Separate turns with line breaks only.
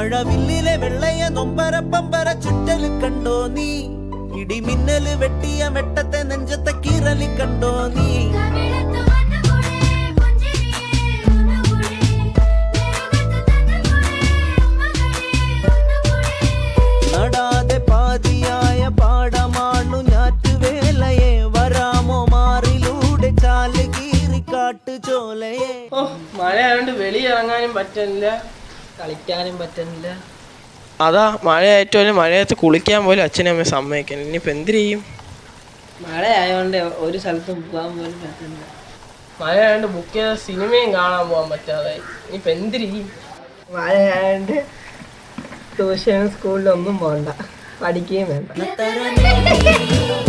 മഴവില്ലിലെ വെള്ളയ നൊമ്പരപ്പമ്പര ചുറ്റല് കണ്ടോ നീ ഇടിമിന്നല് വെട്ടിയ വെട്ടത്തെ നെഞ്ചത്തെ കീറലി കണ്ടോ നീ നടാതെ പാതിയായ പാടമാണു ഞാറ്റുവേലയെ വരാമോ മാറിലൂടെ ചാല് കീറി കാട്ടു ചോലയെ.
മഴയായോണ്ട് വെളിയിറങ്ങാനും പറ്റുന്നില്ല,
കളിക്കാനും പറ്റുന്നില്ല.
അതാ മഴയായിട്ടും മഴയത്ത് കുളിക്കാൻ പോലും അച്ഛനും അമ്മയും സമ്മതിക്കാൻ. ഇനിയിപ്പോൾ എന്ത് ചെയ്യും?
മഴയായോണ്ട് ഒരു സ്ഥലത്തും പോകാൻ പോലും പറ്റുന്നില്ല.
മഴയായോണ്ട് ബുക്ക് ചെയ്ത സിനിമയും കാണാൻ പോകാൻ പറ്റാതെ ഇനിയിപ്പോൾ എന്ത് ചെയ്യും?
മഴയായോണ്ട് ട്യൂഷനും സ്കൂളിലൊന്നും പോകണ്ട, പഠിക്കുകയും വേണ്ട.